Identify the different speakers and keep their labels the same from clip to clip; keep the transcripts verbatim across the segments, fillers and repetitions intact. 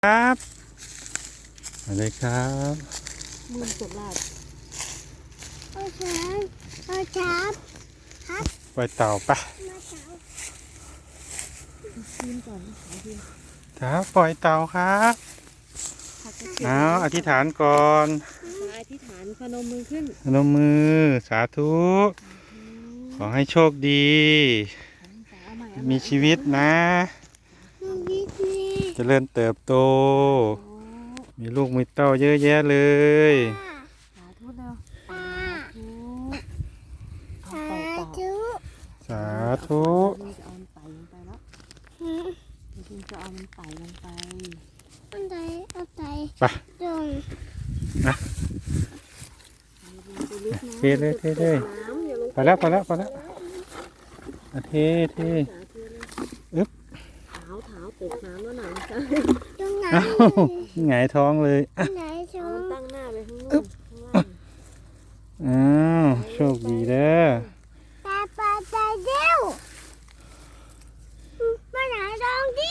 Speaker 1: ครับอะไรครับ
Speaker 2: มือสดลาด
Speaker 3: โอ้ช้างโอ้ช้างครับ
Speaker 1: ปล่อยเต่าปะ
Speaker 3: มาเช้า
Speaker 2: ยืนก่อนขอยืน
Speaker 1: ครับปล่อยเต่าครับ
Speaker 2: ผักกระเทียม
Speaker 1: เอาอธิษฐานก่อน
Speaker 2: อธิษฐานพนมมือขึ้น
Speaker 1: พนมมือสาธุขอให้โชคดี
Speaker 2: เอาใหม่เอาให
Speaker 1: มีชีวิตนะ
Speaker 3: ลูกวิทนี่
Speaker 1: เจริญเติบโต มีลูกมีเต้าเยอะแยะเลย
Speaker 2: สาธุเร็ว
Speaker 3: ป้า
Speaker 2: สา
Speaker 3: ป้า
Speaker 2: ธุ
Speaker 3: สา
Speaker 2: เอาเต่าเต่า
Speaker 1: สาธุ
Speaker 2: จะเอามันไต่ลงไปแล้ว
Speaker 3: ธุ
Speaker 2: จริงๆจะเอามันไต่ลงไป
Speaker 3: อันใดอันใด
Speaker 1: ไป
Speaker 3: ตรง
Speaker 2: ไปลึกนะ
Speaker 1: เทเลยเทเลย
Speaker 2: น้ำอย่าลง
Speaker 1: ไปแล้วไปแล้วไปแล้วอ่ะเทเท
Speaker 2: สาธุเลย
Speaker 1: อึ๊บ
Speaker 2: เท้าเท้าตกน้ำแล้วหนังจ้ะ
Speaker 3: ตรงไหน
Speaker 1: เอ้าหงายท้องเลย
Speaker 3: ตรงไหนช
Speaker 2: เอา
Speaker 3: ม
Speaker 2: มันตั้งหน้าไปข้างนู้นข้างล่าง
Speaker 1: อ้าวโชคดีเด้อ
Speaker 3: ตาปลาตาเดียวมาไหนลองดิ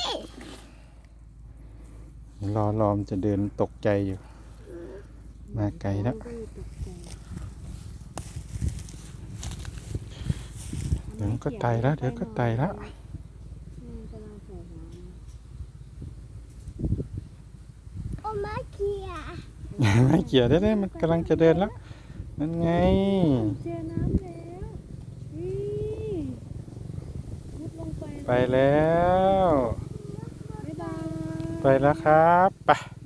Speaker 1: รอรอมนจะเดินตกใจอยู่ มาไกลแล้ว เดี๋ยวก็ไตแล้วเดี๋ยวก็ไตแล้ว
Speaker 3: โอ้มาเขีย
Speaker 1: ไม่เกี่ยวได้เลยมันกำลังจะเดินแล้ว นั่นไง
Speaker 2: เจอน้ำแล้วนี่มุดลงไป
Speaker 1: ไปแล้ว
Speaker 2: บ๊ายบาย
Speaker 1: ไปแล้วครับไป